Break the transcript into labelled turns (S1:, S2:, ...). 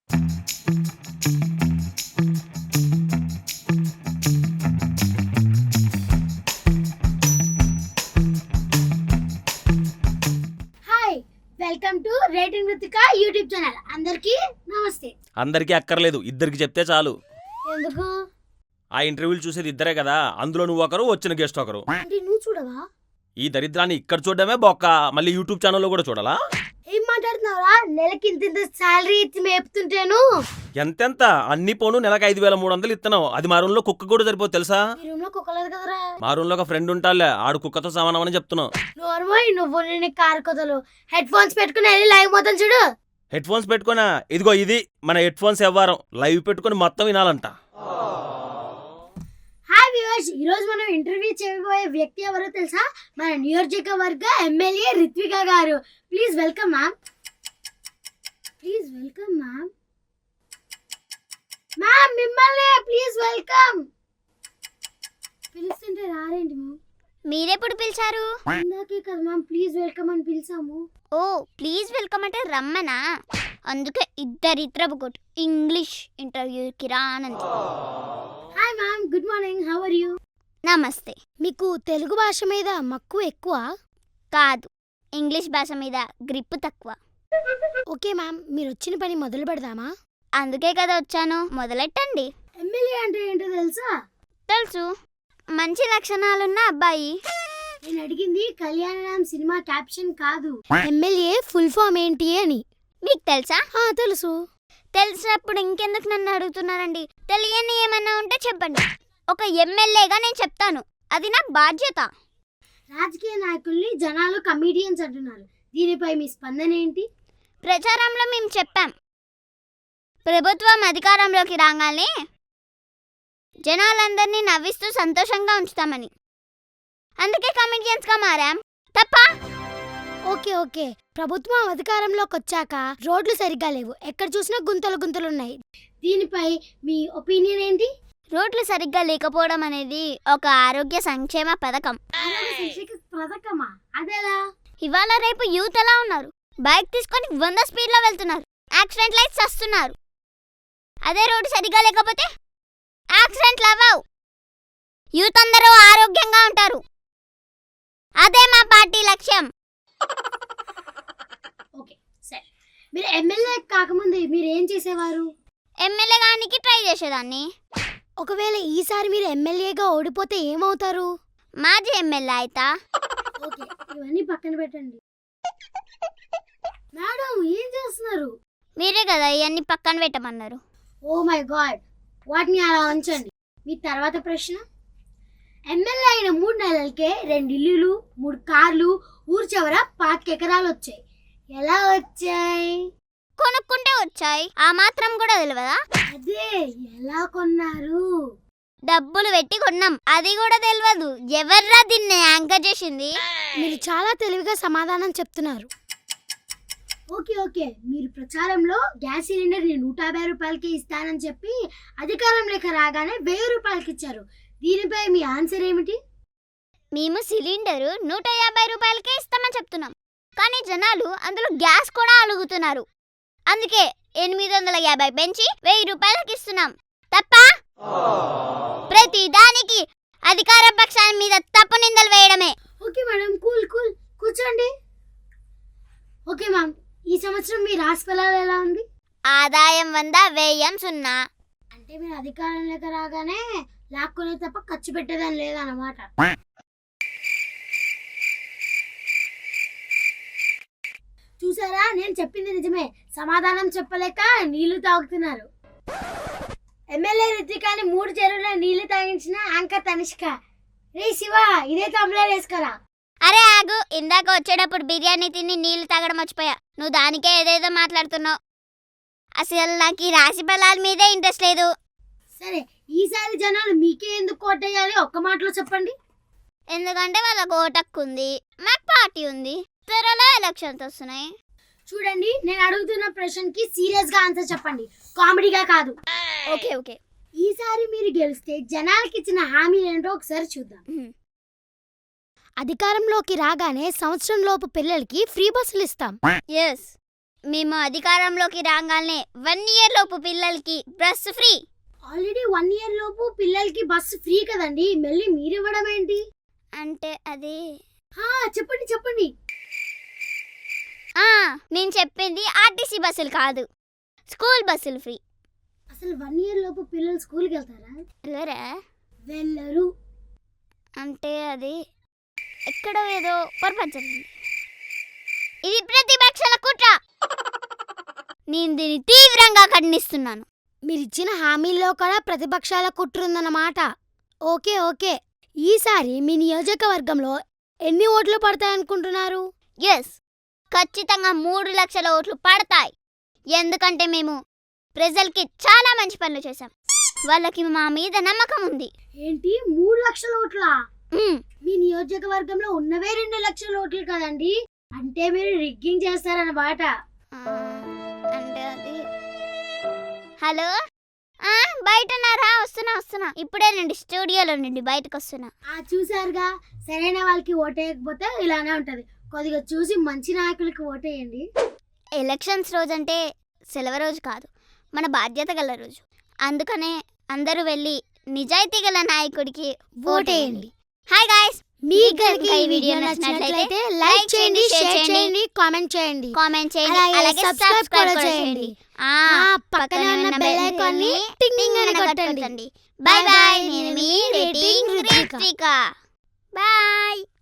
S1: Hi, welcome to rating Ruthika YouTube channel. అందరికీ నమస్తే.
S2: అందరికీ అక్కర్లేదు, ఇద్దరికి చెప్తే చాలు.
S1: ఎందుకు?
S2: ఆ ఇంటర్వ్యూలు చూసేది ఇద్దరే కదా, అందులో నువ్వు ఒకరు, వచ్చిన గెస్ట్ ఒకరు.
S1: అంటే నువ్వు చూడవా?
S2: ఈ దరిద్రాన్ని ఇక్కడ చూడడమే బొక్క, మళ్ళీ యూట్యూబ్ ఛానల్లో కూడా చూడాలా?
S1: ఏం మాట్లాడుతున్నావురా? నెలకి ఇంత శాలరీ ఇచ్చి మేపుతుంటేను.
S2: ఎంతెంత అన్ని పోను నెలకు 5,300 ఇస్తున్నావు. అది మా రూమ్ లో కుక్క కూడా సరిపోదు తెలుసా?
S1: ఈ రూమ్ లో కుక్కలేదు కదరా.
S2: మా రూమ్ లో ఒక ఫ్రెండ్ ఉంటాలే, ఆడు కుక్కతో సమానమని చెప్తున్నావు.
S1: నోర్మోయ్, నువ్వు నేను కారు కొదలు హెడ్ ఫోన్స్ పెట్టుకుని వెళ్ళి లైవ్ మొత్తం చూడు.
S2: హెడ్ ఫోన్స్ పెట్టుకున్నా, ఇదిగో ఇది మన హెడ్ ఫోన్స్ వ్యవహారం. లైవ్ పెట్టుకుని మొత్తం వినాలంట.
S1: హాయ్ వ్యూవర్స్, ఈ రోజు మనం ఇంటర్వ్యూ చేయబోయే వ్యక్తి ఎవరో తెలుసా? మన నియోజకవర్గ ఎమ్మెల్యే రిత్విక గారు. Please welcome ma'am. Please welcome ma'am. Ma'am మిమ్మల్ని ప్లీజ్ వెల్కమ్. పిలుస్తుంటే రారేంటి మ్యామ్?
S3: మీరెప్పుడు పిలిచారు?
S1: ఇందాకే కదా మ్యామ్ ప్లీజ్ వెల్కమ్ అని పిలిచాము.
S3: ఓ ప్లీజ్ వెల్కమ్ అంటే రమ్మనా? అందుకే ఇద్దరిద్దరు కొట్టు ఇంగ్లీష్ ఇంటర్వ్యూకి రానంత.
S1: Hi ma'am, good morning, how are you?
S3: నమస్తే.
S1: మీకు తెలుగు భాష మీద మక్కువ ఎక్కువ?
S3: కాదు, ఇంగ్లీష్ భాష మీద గ్రిప్ తక్కువ.
S1: ఓకే మ్యామ్, మీరు వచ్చిన పని మొదలు పెడదామా?
S3: అందుకే కదా వచ్చాను, మొదలెట్టండి.
S1: ఎమ్మెల్యే అంటే ఏంటో తెలుసా?
S3: తెలుసు, మంచి లక్షణాలున్న అబ్బాయి.
S1: నేను అడిగింది కళ్యాణరామ్ సినిమా క్యాప్షన్ కాదు, ఎమ్మెల్యే ఫుల్ ఫామ్ ఏంటి అని.
S3: మీకు తెలుసా?
S1: తెలుసు.
S3: తెలిసినప్పుడు ఇంకెందుకు నన్ను అడుగుతున్నారండి? తెలియని ఏమన్నా ఉంటే చెప్పండి. ఒక ఎమ్మెల్యేగా నేను చెప్తాను, అది నా బాధ్యత.
S1: రాజకీయ నాయకుల్ని జనాలు కమీడియన్స్ అంటున్నారు, దీనిపై మీ స్పందన ఏంటి?
S3: ప్రచారంలో మేము చెప్పాం, ప్రభుత్వం అధికారంలోకి రాగానే జనాలందరినీ నవ్విస్తూ సంతోషంగా ఉంచుతామని. అందుకే కమిడియన్స్గా మారాం. తప్ప?
S1: ఓకే ఓకే, ప్రభుత్వం అధికారంలోకి వచ్చాక రోడ్లు సరిగ్గా లేవు, ఎక్కడ చూసినా గుంతలు గుంతలున్నాయి, దీనిపై మీ ఒపీనియన్ ఏంటి?
S3: రోడ్లు సరిగ్గా లేకపోవడం అనేది ఒక ఆరోగ్య సంక్షేమ పథకం.
S1: పథకమా? అదేలా?
S3: ఇవాళ రేపు యూత్ ఎలా ఉన్నారు? బైక్ తీసుకొని 100 స్పీడ్లో వెళ్తున్నారు, యాక్సిడెంట్ లైట్స్ వస్తున్నారు. అదే రోడ్డు సరిగ్గా లేకపోతే యాక్సిడెంట్లు అవ్వవు, యూత్ అందరూ ఆరోగ్యంగా ఉంటారు. అదే మా పార్టీ లక్ష్యం.
S1: ఓకే సరే, మీరు ఎమ్మెల్యే కాకముందు మీరు ఏం చేసేవారు?
S3: ఎమ్మెల్యే గానికి ట్రై చేసేదాన్ని.
S1: ఒకవేళ ఈసారి మీరు ఎమ్మెల్యేగా ఓడిపోతే ఏమవుతారు?
S3: మాజీ ఎమ్మెల్యే అయితా.
S1: ఓకే, ఇవన్నీ పక్కన పెట్టండి. మేడం ఏం చేస్తున్నారు?
S3: మీరే కదా ఇవన్నీ పక్కన పెట్టమన్నారు.
S1: ఓ మై గాడ్, వాటిని అలా ఉంచండి. మీ తర్వాత ప్రశ్న, ఎమ్మెల్యే అయిన 3 నెలలకే 2 ఇల్లులు, 3 కార్లు, ఊరు చివర 25 ఎకరాలు వచ్చాయి. ఎలా వచ్చాయి?
S3: కొనుక్కుంటే వచ్చాయి, ఆ మాత్రం కూడా తెలియదా?
S1: అదే, ఎలా కొన్నారు?
S3: డబ్బులు పెట్టి కొన్నాం, అది కూడా తెలియదు. ఎవర్రా దీన్ని యాంకర్ చేసింది?
S1: మీరు చాలా తెలివిగా సమాధానం చెప్తున్నారు. ఓకే ఓకే, మీరు ప్రచారంలో గ్యాస్ సిలిండర్ 150 రూపాయలకి ఇస్తానని చెప్పి అధికారంలోకి రాగానే 1000 రూపాయలకి ఇచ్చారు, దీనిపై మీ ఆన్సర్ ఏమిటి?
S3: మేము సిలిండరు 150 రూపాయలకే ఇస్తామని చెప్తున్నాం, కానీ జనాలు అందులో గ్యాస్ కూడా అడుగుతున్నారు. అందుకే 850 పెంచి 1000 రూపాయలకి ఇస్తున్నాం. తప్ప? ప్రతి దానికి అధికార పక్షాల మీద తప్పు నిందలు వేయడమే.
S1: ఓకే మేడం, కూల్ కూల్, కూర్చోండి. ఓకే మ్యామ్, ఈ సంవత్సరం మీ రాశి ఫలాలు ఎలా ఉంది?
S3: ఆదాయం 100, వ్యయం 0.
S1: అంటే మీరు అధికారంలోకి రాగానే లాక్కునే తప్ప ఖర్చు పెట్టేదని లేదన్నమాట. చూసారా, నేను చెప్పింది నిజమే, సమాధానం చెప్పలేక నీళ్లు తాగుతున్నారు. ఎమ్మెల్యే రిత్వికాని 3 చెరువుల నీళ్లు తాగించిన యాంకర్ తనిష్క. రే శివ, ఇదే తమ్ముళ్ళు వేసుకోరా.
S3: అరే ఆగు, ఇందాక వచ్చేటప్పుడు బిర్యానీ తిని నీళ్లు తాగడం మర్చిపోయా. నువ్వు దానికే ఏదేదో మాట్లాడుతున్నావు. అసలు నాకు ఈ రాశి ఫలాల మీదే ఇంట్రెస్ట్ లేదు.
S1: సరే, ఈసారి జనాలు మీకే ఎందుకు కోటేయాలి, ఒక్క మాటలో చెప్పండి.
S3: ఎందుకంటే వాళ్ళకు ఓటక్కు ఉంది, మాకు పార్టీ ఉంది, త్వరలో ఎలక్షన్స్ వస్తున్నాయి.
S1: చూడండి, నేను అడుగుతున్న ప్రశ్నకి సీరియస్ గా ఆన్సర్ చెప్పండి, కామెడీగా కాదు.
S3: ఓకే ఓకే,
S1: ఈసారి మీరు గెలిస్తే జనాలకి ఇచ్చిన హామీలు ఏంటో ఒకసారి చూద్దాం. అధికారంలోకి రాగానే సంవత్సరం లోపు పిల్లలకి ఫ్రీ బస్సులు ఇస్తాం.
S3: ఎస్, మేము అధికారంలోకి రాగానే 1 year లోపు పిల్లలకి బస్ ఫ్రీ.
S1: ఆల్రెడీ 1 year లోపు పిల్లలకి బస్సు ఫ్రీ కదండి, మళ్ళీ మీరు ఇవ్వడం ఏంటి?
S3: అంటే అది
S1: చెప్పండి చెప్పండి.
S3: నేను చెప్పింది ఆర్టీసీ బస్సులు కాదు, స్కూల్ బస్సులు ఫ్రీ.
S1: అసలు 1 year లోపు పిల్లలు స్కూల్కి వెళ్తారా?
S3: వెళ్ళరా?
S1: వెళ్ళరు.
S3: అంటే అది ఎక్కడో ఏదో పొరపాటు జరిగింది. ఇది ప్రతిపక్షాల కుట్ర. నేను దీన్ని తీవ్రంగా ఖండిస్తున్నాను.
S1: మీరిచ్చిన హామీల్లో కూడా ప్రతిపక్షాల కుట్రుందన్నమాట. ఓకే ఓకే, ఈసారి మీ నియోజకవర్గంలో ఎన్ని ఓట్లు పడతాయనుకుంటున్నారు?
S3: ఎస్, ఖచ్చితంగా 3 లక్షల ఓట్లు పడతాయి. ఎందుకంటే మేము ప్రజలకి చాలా మంచి పనులు చేశాం. వాళ్ళకి మా మీద నమ్మకం ఉంది.
S1: ఏంటి 3 లక్షల ఓట్లా?
S3: మ్మ్.
S1: మీ నియోజకవర్గంలో ఉన్నవే 2 లక్షల ఓట్లు కదండి, అంటే మీరు రిగ్గింగ్ చేస్తారన్నమాట.
S3: అంటే అది హలో, బయటన్నారా? వస్తున్నా. ఇప్పుడే నుండి స్టూడియోలో నుండి బయటకు వస్తున్నా.
S1: చూసారుగా, సరైన వాళ్ళకి ఓటేయకపోతే ఇలానే ఉంటది. కొద్దిగా చూసి మంచి నాయకులకి ఓటేయండి.
S3: ఎలక్షన్స్ రోజు అంటే సెలవు రోజు కాదు, మన బాధ్యత గల రోజు. అందుకనే అందరూ వెళ్ళి నిజాయితీ గల నాయకుడికి ఓటేయండి. హాయ్ గాయ్స్,
S1: మీకు గనుక ఈ వీడియో నచ్చినట్లయితే లైక్ చేయండి, షేర్ చేయండి, కామెంట్ చేయండి, అలాగే సబ్స్క్రైబ్ కూడా చేయండి. పక్కన ఉన్న బెల్ ఐకాన్ ని టింగ్ అని కొట్టండి.
S3: Bye bye. నేను మీ రేటింగ్ రుత్విక. బాయ్.